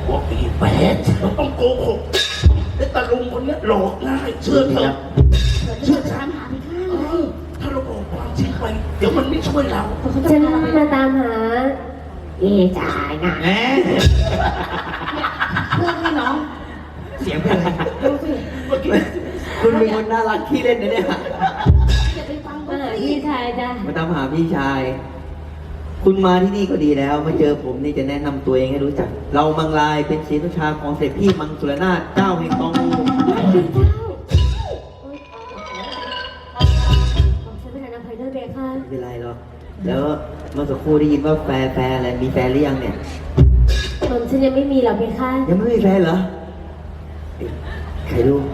บอกอีแปดเราต้องโกหกไอ้ตาลุงคนนี้หลอกง่ายเชื่อเถอะเชื่อฉันถ้าเราบอกความจริงไปเดี๋ยวมันไม่ช่วยเราฉันมาตามหาเอจ่ายนะแหมเพื่อนพี่น้องเสียงเป็นอะไรเมื่อกี้คุณเป็นคนน่ารักขี้เล่นนะเนี่ยอย่าไปฟังมาหาพี่ชายจ้ะมาตามหาพี่ชาย คุณมาที่นี่ก็ดีแล้วมาเจอผมนี่จะแนะนำตัวเองให้รู้จัก เรามังลายเป็นศรีนุชาของเสด็จพี่มังสุรนาถเจ้าแห่งกองอูฉันเป็นนางไพเดอร์เบค่ะไม่เป็นไรหรอกแล้วเมื่อสักครู่ได้ยินว่าแฟนอะไรมีแฟนหรือยังเนี่ยฉันยังไม่มีหรอกเพคะยังไม่มีแฟนเหรอใครรู้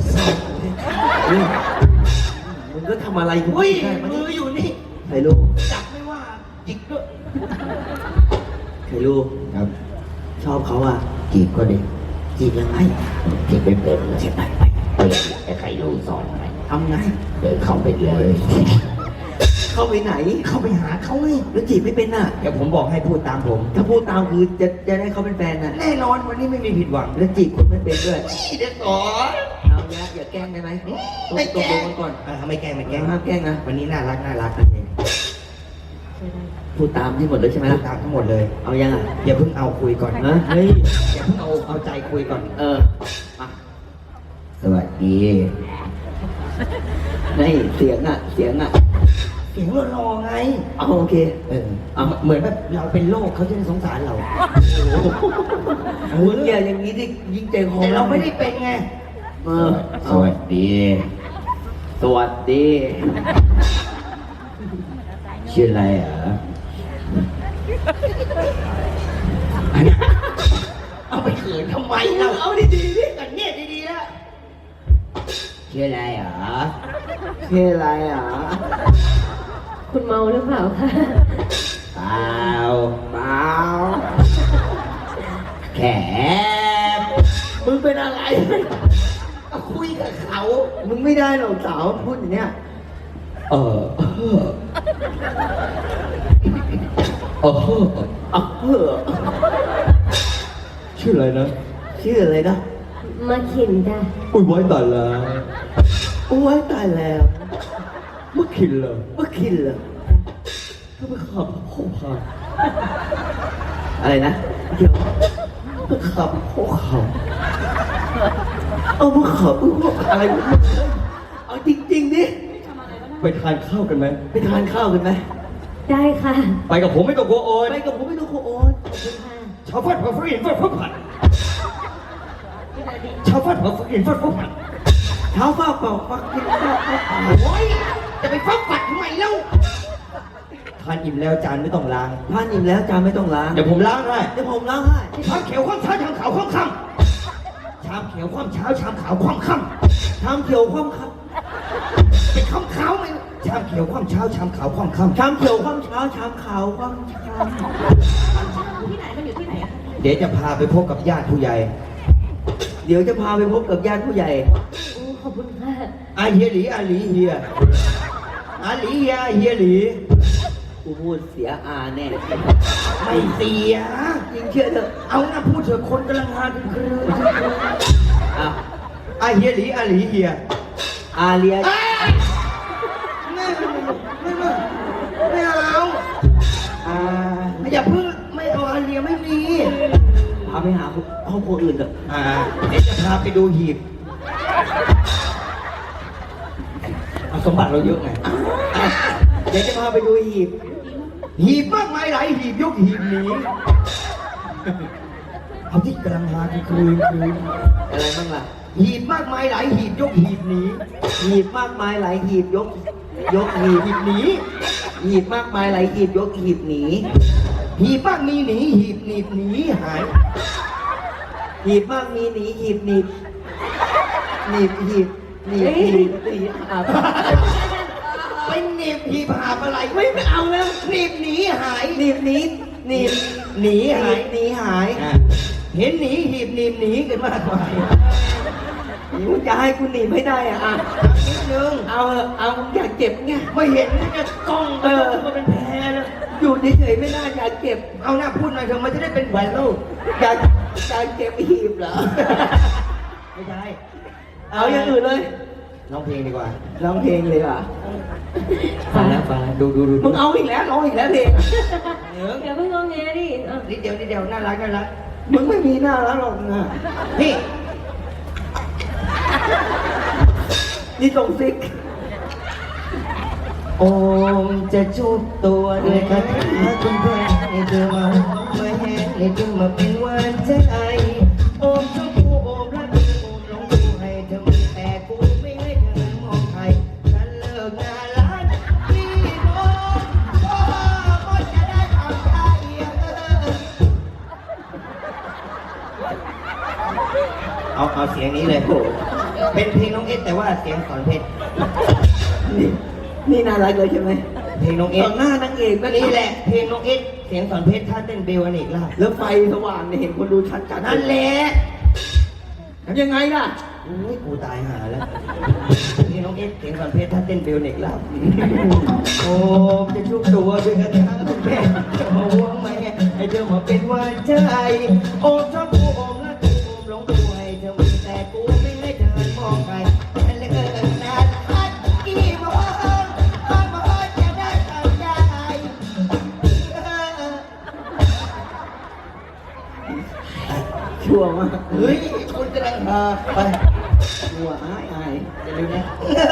มึงก็ทำอะไรกูอุ้ยได้มามืออยู่นี่ใครรู้จับไม่ว่าจิกด้วยใครรู้ครับชอบเขาอ่ะจีบก็ดีจีบยังไงจีบเป็นเลยเสียไปไอ้ใครรู้สอนไหมทำไงเดินเข้าไปเลยเข้าไปไหนเข้าไปหาเขาไงแล้วจีบไม่เป็นน่ะเดี๋ยวผมบอกให้พูดตามผมถ้าพูดตามคือจะได้เขาเป็นแฟนน่ะแน่นอนวันนี้ไม่มีผิดหวังแล้วจีบคนไม่เป็นด้วยเด็กสอนเอาอย่าแกล้งได้ไหมตกลงกันก่อนไม่แกล้งไม่แกล้งห้ามแกล้งนะวันนี้น่ารักนะพูดตามที่หมดเลยใช่ไหมพูล่ะดตามทั้งหมดเลยเอายังอ่ะอย่าเพิ่งเอาคุยก่อนฮะเฮ้ยอย่าเพิ่งเอาใจคุยก่อนมาสวัสดีนี่เสียงอ่ะเสียงรอไงเอาโอเคเอาเหมือนแบบเราเป็นโรคเขาจะได้สงสารเรามึงอย่าอย่างนี้ดิยิงใจคอแต่เราไม่ได้เป็นไงสวัสดี สวัสดีชื่ออะไรอ่ะเอาไปเขินทำไมเราเอาดีๆดิกันเนี่ยดีๆแล้วชื่ออะไรอ่ะชื่ออะไรอ่ะคุณเมาหรือเปล่าคะเปล่าเปล่าแขกมึงเป็นอะไรก็คุยกับเขามึงไม่ได้หรอกสาวพูดอย่างเนี้ยเออเออ ชื่ออะไรนะชื่ออะไรนะมาขินจ้ะอุ้ยไว้ตายแล้วโอ้ยตายแล้วเมื่อคินเลยเมื่อคินเหรอก็ไปขับโคพาอะไรนะเดี๋ยวไปขับโคเขาเอามาขับอะไรวะเอาจริงๆดิไปทานข้าวกันไหมไปทานข้าวกันไหมได้ค่ะไปกับผมไม่ต้องกลัวโอนไปกับผมไม่ต้องโคโอนขอบคุณค่ะชาวฟัดผัดฟินฟัดผัดชาวฟัดผัดฟินฟัดผัดเท้าฟ้าเปล่าฟักกินข้าวเปล่าโอ้ยจะไปฟัดผัดทำไมเล่าทานอิ่มแล้วจานไม่ต้องล้างทานอิ่มแล้วจานไม่ต้องล้างเดี๋ยวผมล้างให้เดี๋ยวผมล้างให้ชามเขียวข้ามเช้าชามขาวข้ามค่ำชามเขียวข้ามเช้าชามขาวข้ามค่ชามเขียวคว่ำครับำเป็นข้ามขาวไหมชามเขียวข้ามเช้าชามขาวข้ามค่ำชามเขียวคว่ำเช้าชามขาวคว่ำเช้าที่ไหนมันอยู่ที่ไหนอะเดี๋ยวจะพาไปพบกับญาติผู้ใหญ่เดี๋ยวจะพาไปพบกับญาติผู้ใหญ่โอ้ขอบคุณค่ะอาเฮียหลีอาหลีเฮียอาหลีเฮียเฮียหลีกูพูดเสียอาแน่ไม่เสียจริงเชื่อเถอะเอานะพูดเถอะคนกำลังหาคืออ่ะอาเฮียหลีอาหลีเฮียอาเลียไม่เอาอาอย่าเพิ่งไม่เอาอาเลียไม่มีพาไปหาครอบครัวอื่นเถอะเดี๋ยวจะพาไปดูหีบเอาสมบัติเราเยอะไงเดี๋ยวจะพาไปดูหีบหีบมากมายหลายหีบยกหีบหนีเอาที่กำลังหาคืออะไรบ้างล่ะหีบมากมายหลายหีบยกหีบหนีหีบมากมายหลายหีบยกหีบหีบหนีหีบมากมายหลายหีบยกหีบหนีหีบมากมีหนีหีบหนีบหนีหายหีบมากมีหนีหีบหนีบหนีบหีบหนีบหีบหนีบอ่ะไปหนีบหีบหาบอะไรไม่เอาแล้วหนีบหนีหายหนีบหนีหนีบหนีหายหนีหายเห็นหนีหีบหนีบหนีกันมากมายมึงจะให้กูหนีบไม่ได้อ่ะนิดนึงเอามึงอยากเจ็บไงไม่เห็นนะกล้องมันเป็นแพรเลยกอยู่เฉยๆไม่ได้อยากเก็บ เอาหน้าพูดหน่อยเถอะมันจะได้เป็นไวรัลอยากเก็บหีบเหรอไม่ใช่เอาอย่างอื่นเลยร้องเพลงดีกว่าร้องเพลงเลยเหรอฟังแล้วดูมึงเอาอีกแล้วร้องอีกแล้วเพลงอย่าเพิ่งงอแงดิอ่ะนิดเดียวน่ารักมึงไม่มีหน้าแล้วหรอกนะนี่นี่ส่งซิกโอมจะจูบตัวด้วยคาถาคุณเพื่อนให้เธอมาแห้งให้เธอมาเป็นหวานใจโอมชอบกูโอมรักกูโอมหลงกูให้เธอมีแต่กูไม่ให้เธอมองใครฉันเลิกงานร้านพี่โอมก็จะได้ทำใจเอาเสียงนี้เลยโหเป็นเพลงน้องเอสแต่ว่าเสียงสอนเพชรนี่น่ารักเลยใช่ไหมเพลงน้องเอต่สอหน้านางเอกก็นี่แหละเพลงน้องเอสเสียงสอนเพชรท่าเต้นเบลอเนกลาภแล้วไฟสว่างเนี่ยเห็นคนดูชัดจัดนั่นแหละทำยังไงล่ะอุ้ยกูตายหาแล้วเพลงน้องเอสเสียงสอนเพชรท่าเต้นเบลเนกลาภโอ้จะชุบตัวด้วยกันทั้งคุณแม่จะมาห่วงไหมให้เธอมาเป็นหวานใจโอมชอบกูโอมรักกูโอมหลงกูให้เธอมีแต่กูไม่ให้เธอมองใครฉันเลยนานพัดกี่โมงจะได้ทำใจชั่วมากเฮ้ยคุณกำลังมาไปชั่วอายอย่าลืมนะ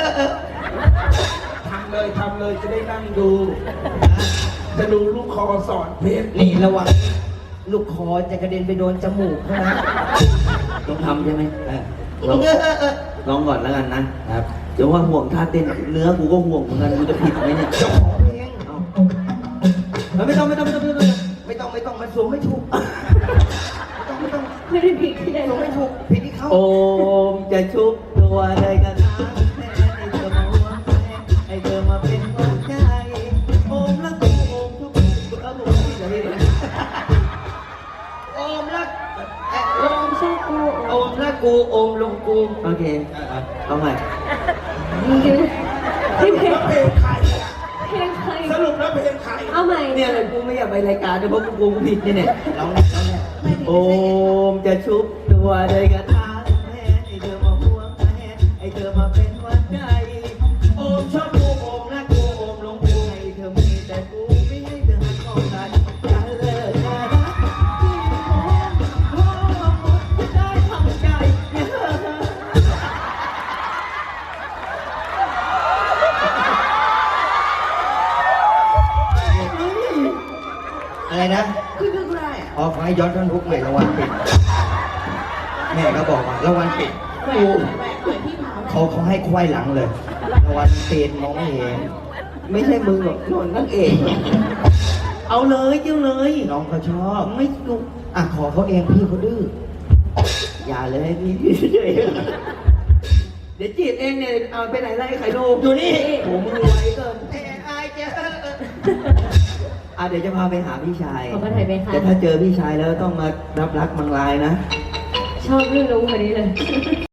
ทำเลยจะได้นั่งดู จะดูลูกคอสอนเพชรนี่ระวังลูกคอจะกระเด็นไปโดนจมูกเขานะต้องทำใช่ไหมลองลองก่อนแล้วกันนะครับเดี๋ยวว่าห่วงท่าเต้นเนื้อกูก็ห่วงเหมือนกันกูจะผิดไหมเนี่ยเจ้าของเพลงเอาไม่ต้องไม่ต้องมันสูงไม่ถูกไม่ต้องไม่ได้ผิดที่ใดสูงไม่ถูกผิดที่เขาโอมจะชุบตัวเลยกันนะให้เธอมาห่วงให้เธอมาเป็นหัวใจโอมรักกูโอมทุกคนเอาผมที่ไหนเลยโอมรักโอมชอบกูโอมรักกูโอมลงกูโอเคเอาใหม่มึงดูที่เพลงแล้วเพลงใครอะเพลงใครสรุปแล้วเพลงใครเอาใหม่เนี่ยเลยกูไม่อยากไปรายการด้วยเพราะกูผิดเนี่ยลองเนี่ยโอมจะชุบตัวเลยกันนะให้เธอมาห่วงให้เธอมาเป็นหัวใจโอมชอบกูโอมรักกูโอมลงกูให้เธอมีแต่กูไม่ให้เธอมองใครอย่าเลิกนะที่โอมได้ทำใจ อะไรนะคือได้อะอ๋อขอให้ย้อนท่อนทุกใหม่รางวัลปิด แม่ก็บอกว่ารางวัลปิดแหวกูกพี่ผาเขาให้ควายหลังเลยรางวัลปิดมองไม่เห็นไม่ใช่มึงหรอกนนนั่งเองเอาเลยเจ้าเลยน้องเขาชอบไม่กูอ่ะขอเขาเองพี่เขาดื้ออย่าเลยพี่เฉยเดี๋ยวจีบเองเนี่ยเอาไปไหนไล่ไข่ลูกอยู่นี่โหมึงไวเกินไอ้เจ้าเดี๋ยวจะพาไปหาพี่ชายขอมาถ่ายไปค่ะแต่ถ้าเจอพี่ชายแล้วต้องมารับรักมังลายนะชอบเรื่องรู้คนนี้เลย